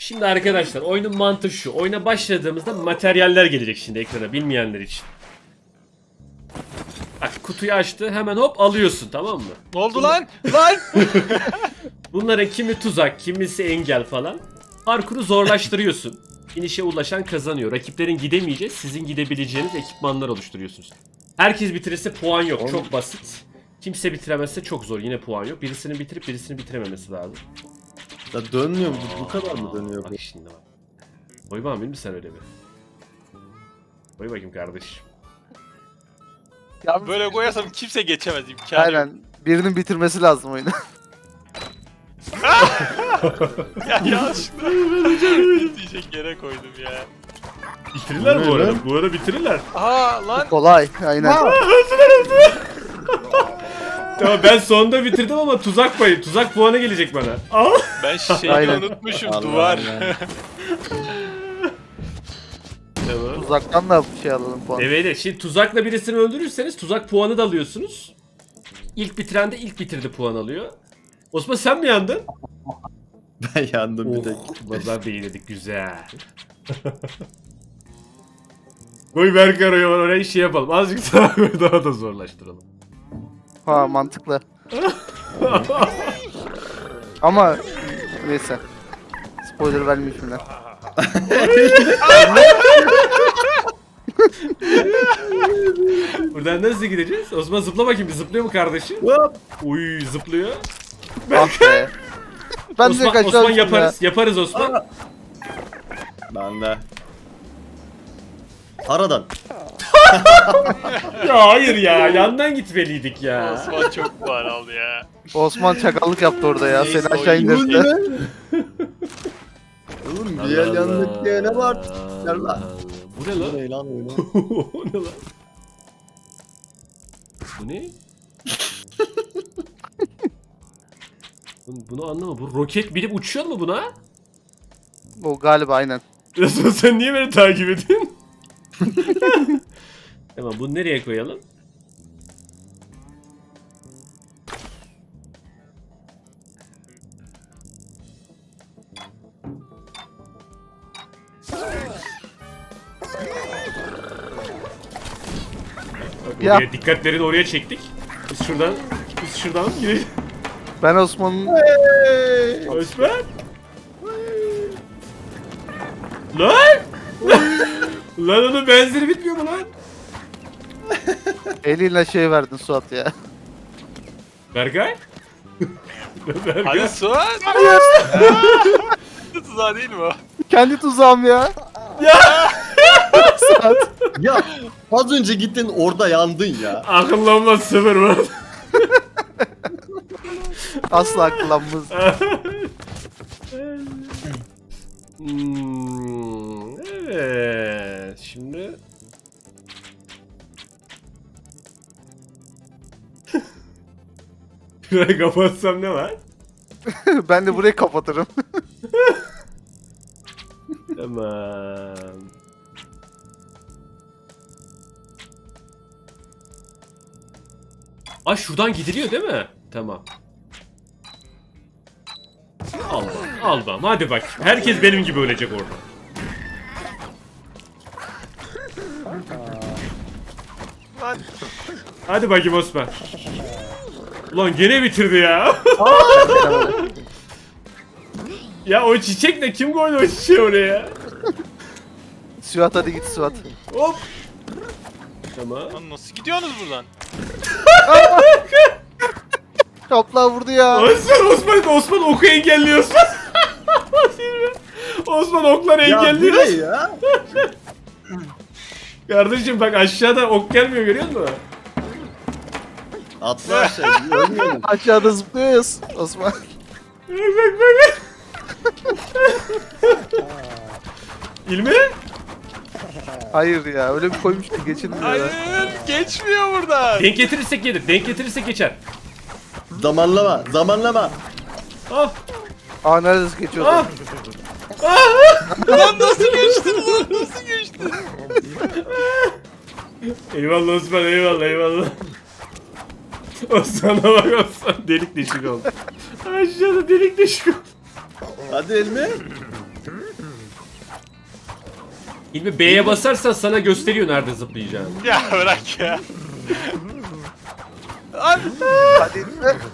Şimdi arkadaşlar oyunun mantığı şu. Oyuna başladığımızda materyaller gelecek şimdi ekrana bilmeyenler için. Bak kutuyu açtı hemen hop alıyorsun, tamam mı? Ne oldu lan? Lan! Bunların kimi tuzak, kimisi engel falan. Parkuru zorlaştırıyorsun. İnişe ulaşan kazanıyor. Rakiplerin gidemeyeceği, sizin gidebileceğiniz ekipmanlar oluşturuyorsunuz. Herkes bitirirse puan yok. Çok basit. Kimse bitiremezse çok zor. Yine puan yok. Birisinin bitirip birisinin bitirememesi lazım. Ya dönmüyor mu? Bu kadar mı dönüyor bu? Bak şimdi bak. Koy bakayım mi sen öyle bir? Koy bakayım kardeşim. Ya Böyle koyarsam kimse geçemez, imkanı yok. aynen. Birinin bitirmesi lazım oyunu. Ya yanlışlıkla diyecek yere koydum ya. Bitirirler Bu bu ne arada. lan? Bu arada bitirirler. Aa lan! Kolay. Aynen. Tamam ben sonunda bitirdim ama tuzak payı. Tuzak puanı gelecek bana. Al. Ben şeyi Aynen. unutmuşum, Allah duvar. Allah. Tamam. Uzaktan da şey alalım puan. Evet, şimdi tuzakla birisini öldürürseniz tuzak puanı da alıyorsunuz. İlk bitiren de ilk bitirdi puan alıyor. Osman sen mi yandın? Ben yandım bir tek. Vallahi beğendik, güzel. Koy Berkay oraya şey yapalım. Azıcık daha koy, daha da zorlaştıralım. Ha mantıklı. Ama neyse. Spoiler vermeyeyim şimdi. Buradan nasıl gideceğiz? Osman zıpla bakayım, bir zıplıyor mu kardeşim? Hop. Uy zıplıyor. Ah be. Ben de Osman, kaçar Osman yaparız. Yaparız Osman. Ben de. Aradan. Ya hayır ya, yandan gitmeliydik ya. Osman çok puan aldı ya. Osman çakallık yaptı orada ya. Neyse, Seni aşağı oyun Bu indirdi. ne? Oğlum bir yer yandık diye ne var? Gel lan. Bu ne lan? Bu ne lan öyle? O ne lan? Bu ne? Bunu anlama. Bu roket bilip uçuyor mu buna? O galiba aynen. Resmen sen niye beni takip ediyorsun? Tamam, bunu nereye koyalım? Bak, Ya. oraya, dikkatlerini oraya çektik. Biz şuradan girelim. Ben Osman'ın Osman. Lan! Lan onun benzeri bitmiyor mu lan? eliyle şey verdin Suat ya. Berkay? Berkay? Hadi Suat! Tuzağı değil mi o? Kendi tuzağım ya. Ya! Suat. Ya az önce gittin orada yandın ya. Akıllanmaz sıfır var. Asla akıllanmaz. Evet. Şimdi... Şurayı kapatsam ne var? Ben de burayı kapatırım. Tamam. Ay şuradan gidiliyor değil mi? Tamam. Al bak. Hadi bak. Herkes benim gibi ölecek orada. Lan! Hadi bakayım Osman. Ulan gene bitirdi ya. Ya o çiçek ne? Kim koydu o çiçeği oraya? Suat hadi git Suat. Hop. Tamam. Lan nasıl gidiyorsunuz buradan? Kapla vurdu ya. Osman oku engelliyorsun. Osman okları Ya bu engelliyor. ne ya? Kardeşim bak aşağıda ok gelmiyor, görüyor musun? Atla aşağı. Ölmüyorum. Aşağıda zıplıyoruz Osman. Bak. İlmi? Hayır ya öyle bir koymuş ki geçilmiyor Hayır! ya. Geçmiyor buradan! Denk getirirsek gelir. Denk getirirsek geçer. Zamanlama. Ah. Aa neredeyse geçiyordu. Ah. Lan nasıl geçtin lan? Nasıl geçtin? Eyvallah Osman, eyvallah. Osman'a bak Osman. Delik deşik oldu. Aşağıda delik deşik oldu. Hadi elmi. İlmi B'ye basarsan sana gösteriyor nerede zıplayacağını. Ya bırak ya. Lan. Hadi.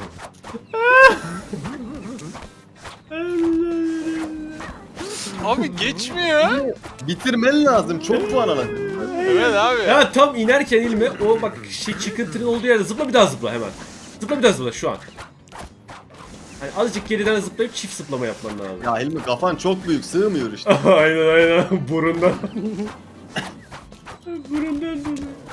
Abi geçmiyor. Bitirmen lazım. Çok puan alın. Evet abi. Ya tam inerken İlmi o bak şey çıkıntının olduğu yerde zıpla bir daha zıpla hemen. Zıpla bir daha zıpla şu an. Hani azıcık geriden zıplayıp çift zıplama yapman lazım. Ya Hilmi kafan çok büyük. Sığmıyor işte. aynen burundan. burundan.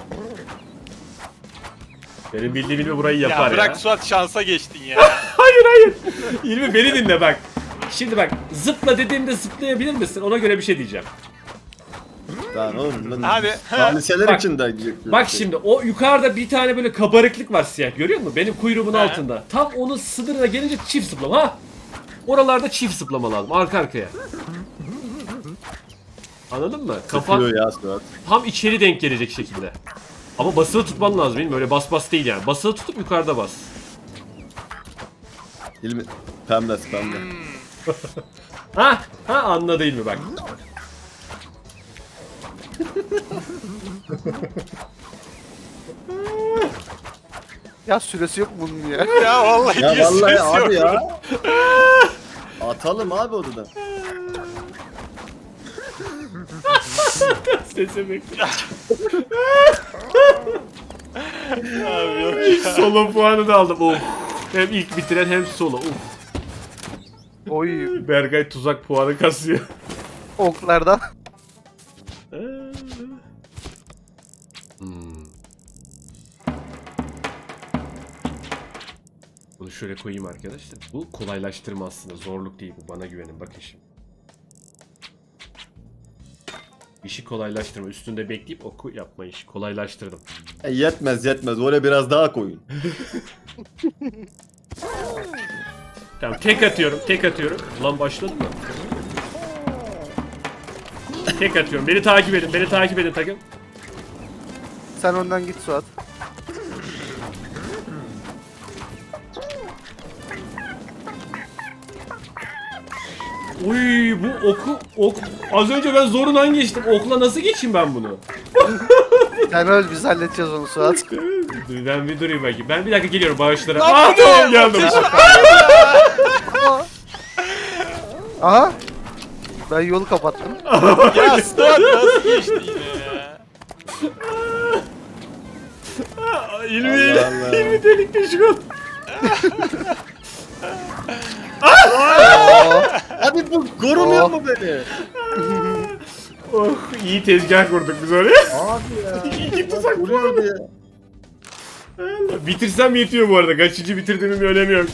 Benim bildiğim İlmi burayı yapar Ya bırak ya. Suat, şansa geçtin ya. Hayır. İlmi beni dinle bak. Şimdi bak zıpla dediğimde zıplayabilir misin? Ona göre bir şey diyeceğim. Lan oğlum. Lan, Hadi. saliseler Bak, için de. Bak şimdi o yukarıda bir tane böyle kabarıklık var siyah görüyor musun? Benim kuyruğumun He. altında. Tam onun sınırına gelince çift zıplama ha. Oralarda çift zıplama lazım arka arkaya. Anladın mı? Kafan Sıkıyor ya Suat. tam içeri denk gelecek şekilde. Ama basılı tutman lazım değil mi? Öyle bas değil yani. Basılı tutup yukarıda bas. Hilmi. Pembe. Ha anla değil mi bak. Ya süresi yok bunun ya. Ya vallahi Ya niye vallahi ses abi yok? ya. Atalım abi odadan. Sese bekle. Abi yok ya. Solo puanı da aldım. Of. Hem ilk bitiren hem solo. Of. Oy. Berkay tuzak puanı kasıyor. Oklardan. Bunu şöyle koyayım arkadaşlar. Bu kolaylaştırma aslında. Zorluk değil bu. Bana güvenin. Bakın şimdi. İşi kolaylaştırma. Üstünde bekleyip oku yapma işi. Kolaylaştırdım. Yetmez. Oraya biraz daha koyun. Tamam tek atıyorum. Ulan başladı mı? Tek atıyorum. Beni takip edin takım. Sen ondan git Suat. Uy bu ok az önce ben zorundan geçtim. Okla nasıl geçeyim ben bunu? Sen öl, biz halledeceğiz onu Suat. Ben bir durayım bakayım. Ben bir dakika geliyorum bağışlara. Lan Aa bu ne? tamam geldim. Aha. Ben yolu kapattım. Ya Suat nasıl geçti yine ya? İlmi Allah Allah. İlmi delik deşik oldu. Abi bu korumuyor mu beni? Oh iyi tezgah kurduk biz oraya. Abi ya. İki tuzak Vuruyor diye. Bitirsem yetiyor bu arada. Kaçıncı bitirdiğimin bir önemi yok.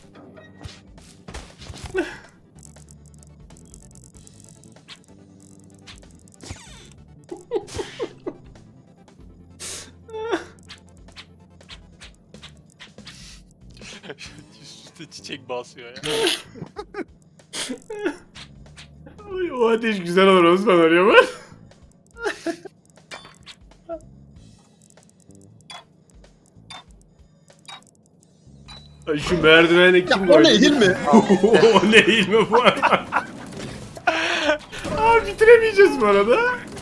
Üstüne çiçek basıyor ya. Ay, o ateş güzel olur Osman arıyor var. Ay, şu merdivene kim O ne Hilmi? O ne ilmi bu arada? Abi bitiremeyeceğiz bu arada.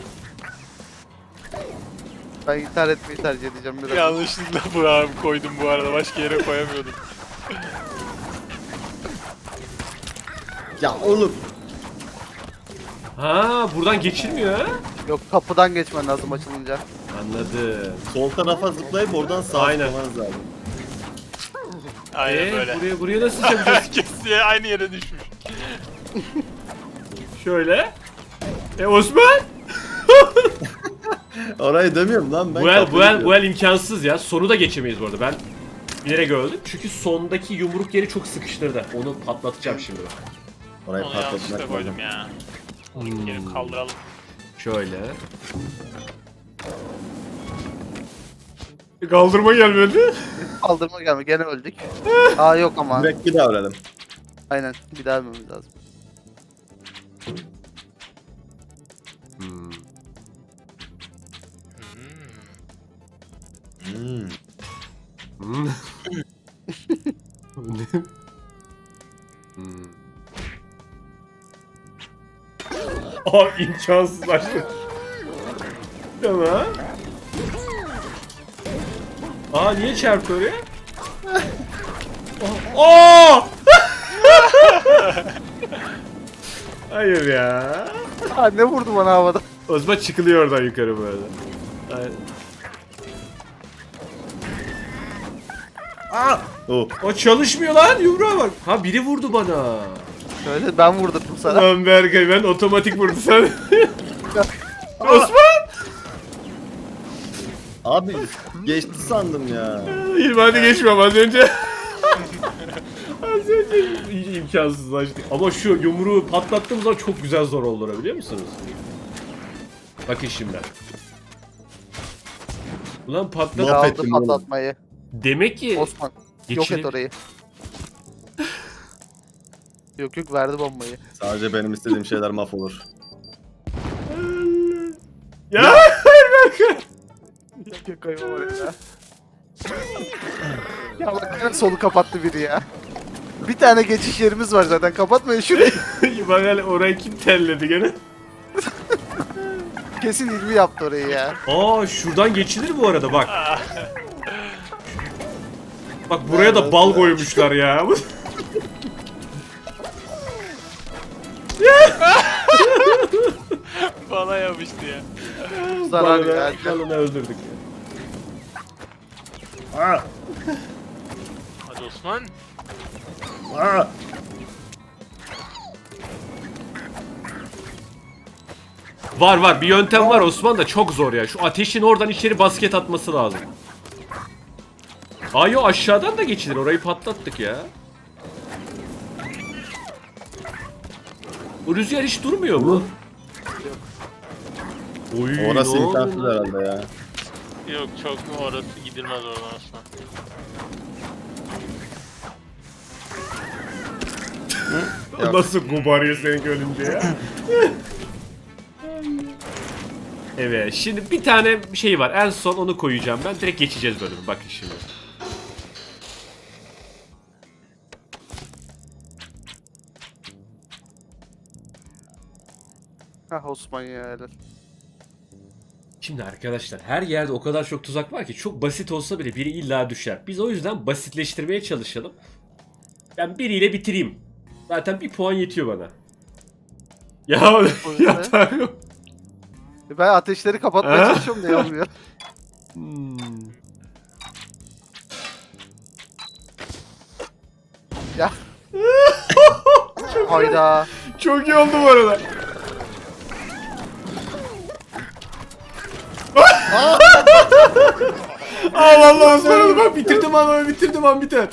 Ben intihar etmeyi tercih edeceğim biraz. Yanlışlıkla bu abi koydum bu arada. Başka yere koyamıyordum. Ya oğlum. Ha buradan geçilmiyor ha. Yok, kapıdan geçmen lazım açılınca. Anladım. Sol tarafa zıplayıp oradan sağa Aynen. zıplamanız lazım. Aynen böyle. Buraya nasıl yapacağız? Herkes aynı yere düşmüş. Şöyle. Osman? Orayı demiyorum lan ben. Bu el imkansız ya. Sonu da geçemeyiz bu arada. Ben bilerek öldüm. Çünkü sondaki yumruk yeri çok sıkıştırdı. Onu patlatacağım şimdi bak. Orayı Onu yanlışlıkla patlatmak koydum lazım. ya. Onu geri kaldıralım. Şöyle. Kaldırma gelmedi. Kaldırma gelme, gene öldük. Aa yok ama. Direkt bir daha öğrenelim. Aynen, bir daha ölmemiz lazım. Hmm. Aa imkansız başladı. Tamam. Aa niye çarptı oraya? Aa! Hayır ya. Ha, ne vurdu bana havada? Osman çıkılıyor oradan yukarı böyle. Aynen. Oh. O çalışmıyor lan, yumruğa bak. Ha biri vurdu bana. Öyle ben vurdurdum sana. Lan Berkay, ben otomatik vurdu sen. Osman! Abi geçti sandım ya. İlmadi geçmem az önce. Az önce imkansızlaştı. Ama şu yumruğu patlattığım zaman çok güzel zor oldu, biliyor musunuz? Bakın şimdi. Ulan patlat. Laf Aldı ettim oğlum. patlatmayı. Demek ki Osman. Yok geçire- et orayı. Yok verdi bombayı. Sadece benim istediğim şeyler mahvolur. Ya hayır Berkay. Yok kayma oraya. Ya bak yine solu kapattı biri ya. Bir tane geçiş yerimiz var zaten, kapatmayın şurayı. Bak hele orayı kim telledi gene? Kesin ilmi yaptı orayı ya. Aa şuradan geçilir bu arada bak. Bak buraya da bal koymuşlar ya. Bana yapıştı ya. Zarar Balını- ya. balını öldürdük ya. Hadi Osman. Var bir yöntem var Osman, da çok zor ya. Şu ateşin oradan içeri basket atması lazım. Aa yo, aşağıdan da geçilir, orayı patlattık ya. Bu rüzgar hiç durmuyor mu? Oy, Orası ne oldu imkansız lan? herhalde ya. Yok çok orası gidilmez oradan Osman. Nasıl kubarıyor seninki ölünce ya? Evet, şimdi bir tane şey var. En son onu koyacağım ben. Direkt geçeceğiz bölümü. Bakın şimdi. Hah Osman ya helal. Şimdi arkadaşlar, her yerde o kadar çok tuzak var ki çok basit olsa bile biri illa düşer. Biz o yüzden basitleştirmeye çalışalım. Ben biriyle bitireyim. Zaten bir puan yetiyor bana. Ya ya Tanrım. Ben ateşleri kapatmaya Ha? çalışıyorum da olmuyor. Hmm. Ya. Hayda. Çok iyi oldu bu arada. Allah Allah, Osman bak bitirdim ama bitirdim an biter.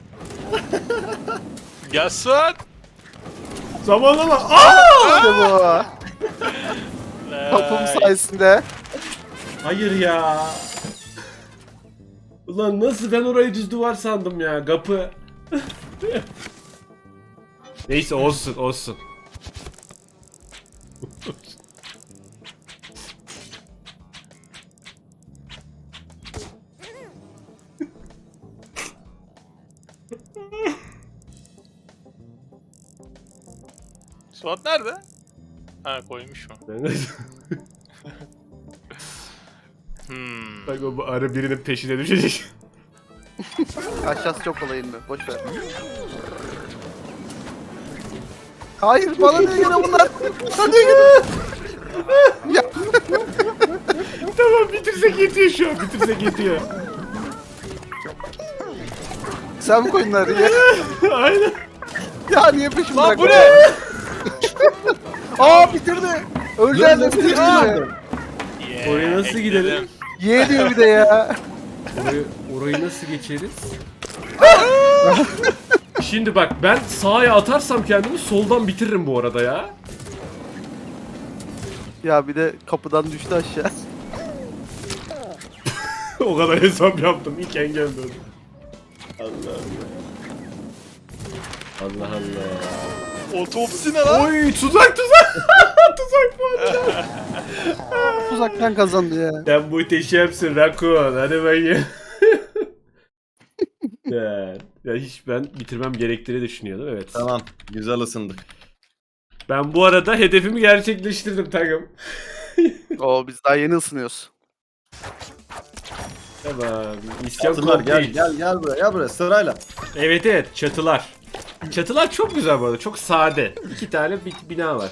Gelsin. Zamanlama. Aa! İşte bu. Kapım sayesinde. Hayır ya. Ulan nasıl, ben orayı düz duvar sandım ya, kapı. Neyse olsun olsun. Suat nerede? Ha koymuş mu? Bak o bu arı birinin peşine düşecek. Aşağısı çok kolay inme. Boş ver. Hayır bana niye gene bunlar? Bana niye gene? Ya Tamam bitirsek yetiyor şu an, bitirsek yetiyor. sen mi koydun arayı? Aynen. Ya niye peşimi Lan bu bırakmadın? ne? Aa bitirdi. Öleceğiz de bitirdi. Yeah, Oraya nasıl ekledim. gidelim? Ye diyor bir de ya. Orayı nasıl geçeriz? Şimdi bak, ben sağa atarsam kendimi soldan bitiririm bu arada ya. Ya bir de kapıdan düştü aşağı. O kadar hesap yaptım, ilk engel döndüm. Allah Allah. Allah Allah. Otopsi ne lan? Oy tuzak tuzak. Tuzak bu arada. Uzaktan kazandı ya. Sen muhteşemsin Rakun. Hadi bakayım. ya hiç ben bitirmem gerektiğini düşünüyordum, evet. Tamam, güzel ısındık. Ben bu arada hedefimi gerçekleştirdim takım. Oo biz daha yeni ısınıyoruz. Tamam. İsyan Çatılar gel complete. gel buraya gel buraya sırayla. Evet evet çatılar. Çatılar çok güzel bu arada. Çok sade. 2 tane bina var.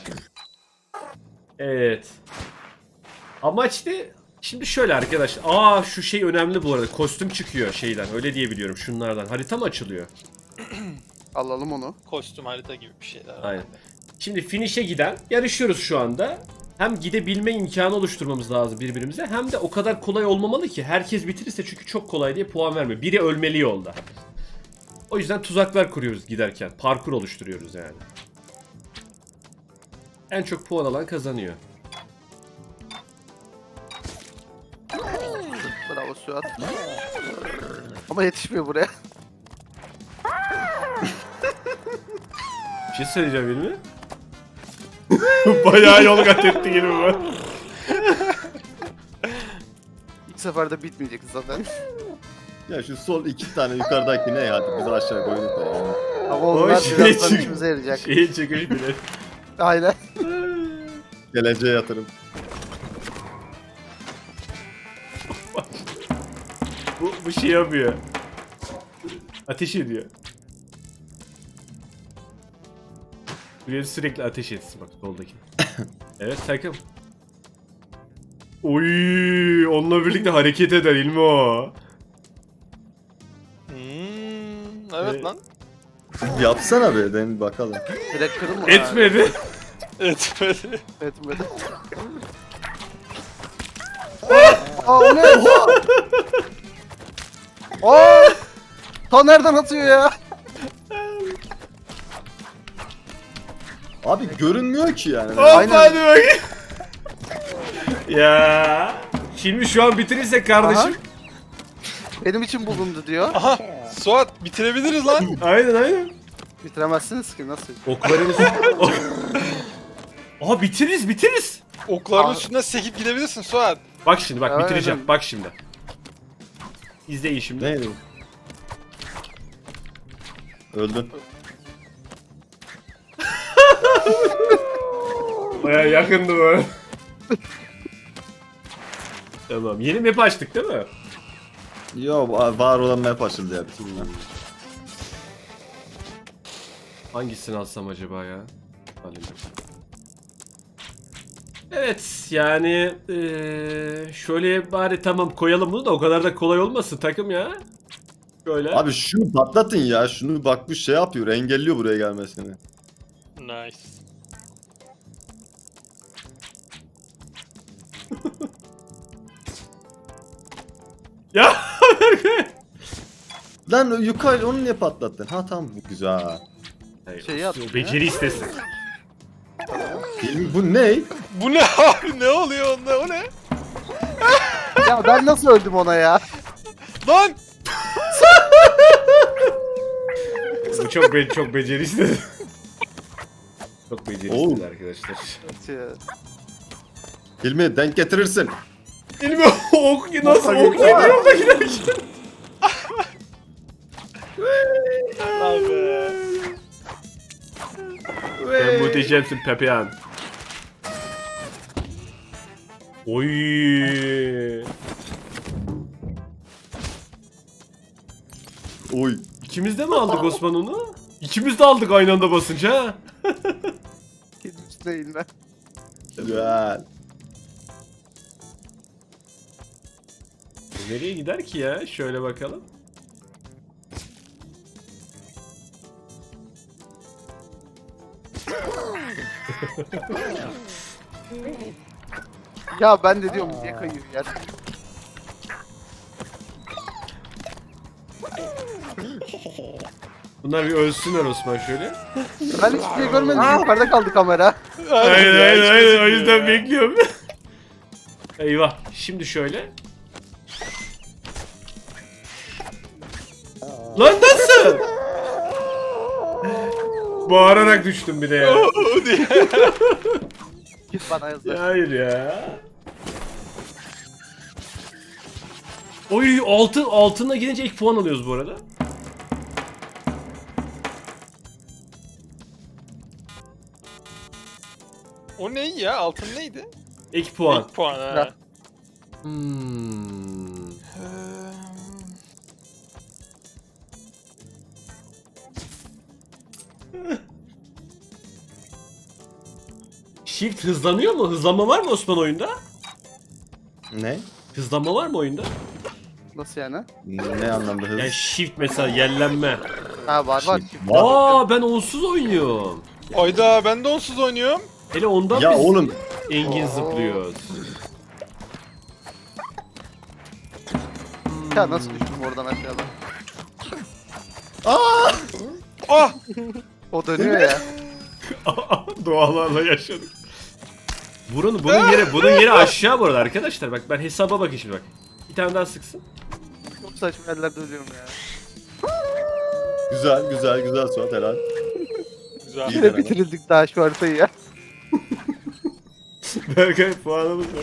Evet. Amaç ne? Şimdi şöyle arkadaşlar. Aa şu şey önemli bu arada. Kostüm çıkıyor şeyden. Öyle diyebiliyorum şunlardan. Harita mı açılıyor? Alalım onu. Kostüm harita gibi bir şeyler. Aynen. Şimdi finish'e giden yarışıyoruz şu anda. Hem gidebilme imkanı oluşturmamız lazım birbirimize. Hem de o kadar kolay olmamalı ki. Herkes bitirirse çünkü çok kolay diye puan vermiyor. Biri ölmeli yolda. O yüzden tuzaklar kuruyoruz giderken. Parkur oluşturuyoruz yani. En çok puan alan kazanıyor. Bravo Suat. Ama yetişmiyor buraya. Bir şey söyleyeceğim değil mi? Bayağı yol kat etti gibi bu. İlk seferde bitmeyecek zaten. Ya şu sol 2 tane yukarıdaki ne ya? Biz aşağı koyduk da yani. Ama O onlar şey birazdan çık- işimize yarayacak. Şeye çıkış bile. Aynen. Geleceğe yatırım. Bu şey yapıyor. Ateş ediyor. Buraya sürekli ateş etsin bak soldaki. Evet takım. Oy, onunla birlikte hareket eder ilmi o. Evet Evet. lan. Yapsana be den bakalım. Direkt kırın mı? Etmedi. Etmedi. Etmedi. Aa o ne? Aa! Ta nereden atıyor ya? Abi görünmüyor ki yani. Hop Aynen. hadi bakayım. Ya. Şimdi şu an bitirirsek kardeşim. Benim için bulundu diyor. Aha. Suat bitirebiliriz lan. Aynen aynen. Bitiremezsiniz ki nasıl? Oklarımız... Aha bitiririz. Okların Aa. üstünden sekip gidebilirsin Suat. Bak şimdi bak Aynen. bitireceğim. Bak şimdi. İzleyin şimdi. Neydi bu? Öldün. Baya yakındı bu. Tamam. Yeni map açtık değil mi? Yo var olan map açıldı ya bütün bunlar. Hangisini alsam acaba ya? Alayım. Evet yani şöyle bari tamam koyalım bunu da o kadar da kolay olmasın takım ya. Şöyle. Abi şunu patlatın ya. Şunu bak bu şey yapıyor. Engelliyor buraya gelmesini. Nice. Ya. Lan yukarı onu niye patlattın? Ha tamam bu güzel. Şeyi o atıyor beceri istesin. Bu ne? Bu ne abi? Ne oluyor onda? O ne? Ya ben nasıl öldüm ona ya? Lan! Bu çok beceri istedi. Çok beceri Oo. istedi arkadaşlar. Hilmi denk getirirsin. İlmi ok nasıl ok yemiyor da giderken. Abi. Sen muhteşemsin Pepehan. Oy. Oy. İkimiz de mi aldık Osman onu? İkimiz de aldık aynı anda basınca ha. Hiç değil ben. Güzel. Nereye gider ki ya? Şöyle bakalım. Ya ben de diyorum niye kayıyor yer? Bunlar bir ölsünler Osman şöyle. Ben hiçbir şey görmedim. Yukarıda kaldı kamera. Aynen o yüzden bekliyorum. Eyvah. Şimdi şöyle. Lan nasıl? Bağırarak düştüm bir de ya. Git bana yazdı. Ya hayır ya. Oy altına gidince ilk puan alıyoruz bu arada. O ne ya? Altın neydi? İlk puan. İlk puan ha. Ya. Hmm. Shift hızlanıyor mu? Hızlanma var mı Osman oyunda? Ne? Hızlanma var mı oyunda? Nasıl yani? Ne anlamda hız? Yani shift mesela yellenme. Ha var. Var. Aa ben onsuz oynuyorum. Ayda ben de onsuz oynuyorum. Hele ondan Ya biz oğlum. Engin Oo. zıplıyoruz. Ya nasıl düştüm oradan aşağıdan? Ah! O dönüyor ya. Doğalarla yaşadık. Bunun yeri aşağı bu arada arkadaşlar. Bak ben hesaba bakayım şimdi bak. Bir tane daha sıksın. Çok saçma yerlerde ölüyorum ya. Güzel güzel güzel Suat helal. Güzel. İyi Yine deneme. bitirildik daha şu haritayı ya. Berkay puanımız var.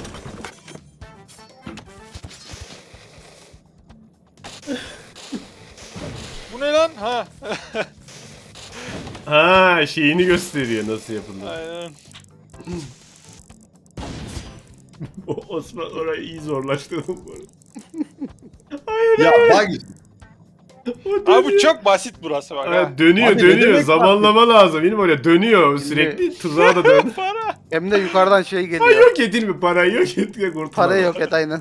Bu ne lan? Ha. Ha şeyini gösteriyor nasıl yapıldığını. Aynen. Osman orayı iyi zorlaştırdım bu arada. Ya bak Abi bu çok basit burası bak ha. Ha, dönüyor Abi ne dönüyor. demek Zamanlama lazım. Benim öyle dönüyor sürekli. Tuzağa da dön. Para. Hem de yukarıdan şey Ha geliyor. yok edilme parayı yok et ya kurtulalım. Parayı yok et aynen.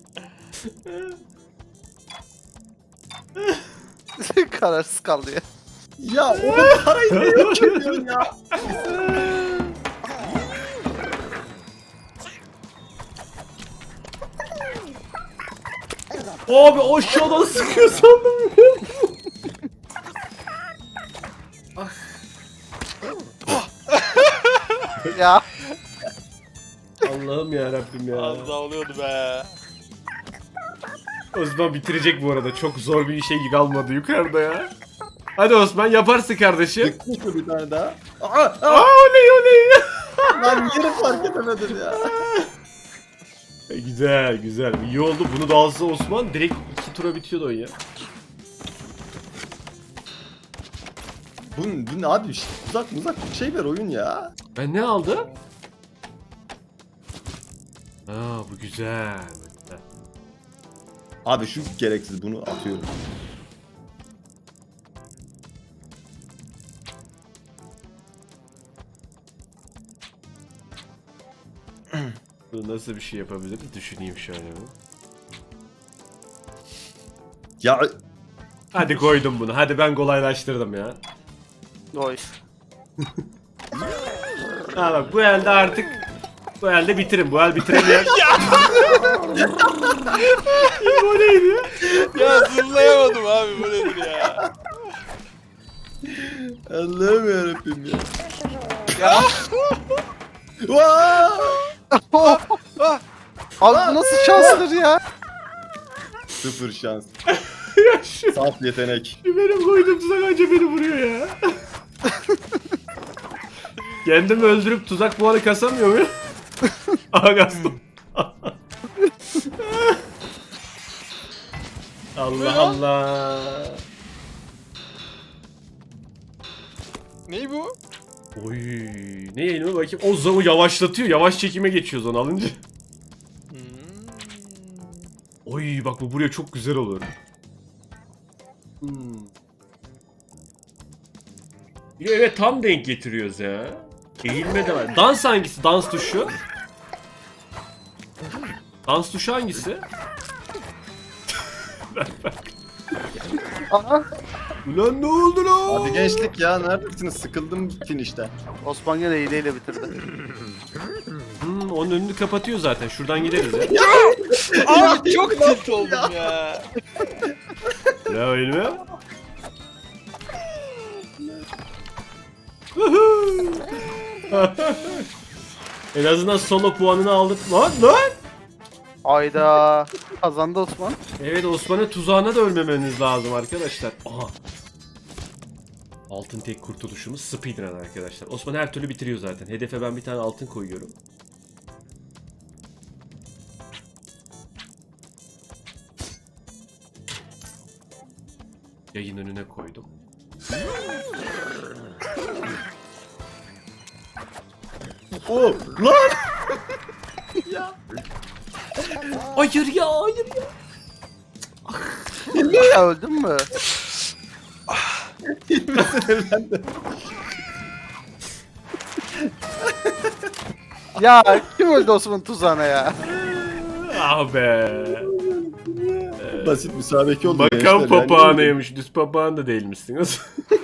Kararsız kaldı ya. ya oğlum parayı ne yok ediyorsun ya? Abi aşağıdan sıkıyor sandım. Ya. Allah'ım ya Rabbim ya. Az daha oluyordu be. Osman bitirecek bu arada. Çok zor bir şey kalmadı yukarıda ya. Hadi Osman yaparsın kardeşim. Çıkmış mı bir tane daha? Aa oley oley. Lan yeri fark edemedim ya. Güzel güzel. İyi oldu. Bunu da alsa Osman direkt 2 tura bitiyordu oyun ya. Bu ne abi? Uzak bir şey ver oyun ya. Ben ne aldım? Aa bu güzel. Bu güzel. Abi şu gereksiz bunu atıyorum. Bu nasıl bir şey yapabiliriz? Düşüneyim şöyle bir. Ya Hadi koydum bunu. Hadi ben kolaylaştırdım ya. Oy. Ha bak bu elde artık bu elde bitirin. Bu el bitiremeyen. Bu neydi? Ya zırlayamadım abi bu nedir ya. Allah'ım yarabbim ya. Ya. Vaa! Abi bu nasıl şansdır ya? Sıfır şans. Ya şu Saf yetenek. benim koyduğum tuzak anca beni vuruyor ya. Kendimi öldürüp tuzak puanı kasamıyor muyum? Aha kastım. Allah Allah. Ney bu? Oy, ne yayını bakayım. O zaman yavaşlatıyor. Yavaş çekime geçiyoruz onu alınca. Oy bak bu buraya çok güzel olur. Evet tam denk getiriyoruz ya. Eğilme de var. Dans hangisi? Dans tuşu. Dans tuşu hangisi? Aha. Ulan ne oldu lan? Hadi gençlik ya neredesiniz? Sıkıldım finişte. Osman gene hileyle bitirdi. Onun önünü kapatıyor zaten. Şuradan gideriz ya. Abi çok tilt oldum ya. Ne oyunu? En azından solo puanını aldık. Lan! Ayda. Kazandı Osman. Evet Osman'ın tuzağına da ölmemeniz lazım arkadaşlar. Aha. Altın tek kurtuluşumuz speedrun arkadaşlar. Osman her türlü bitiriyor zaten. Hedefe ben bir tane altın koyuyorum. Yayın önüne koydum. Oh lan! Hayır ya, hayır ya. Ya öldün mü? Ya kim öldü Osman tuzağına ya? Ah be. Basit müsabeke oldu. Bakan gençler, yani. papağanıymış. Düz papağan da değilmişsin.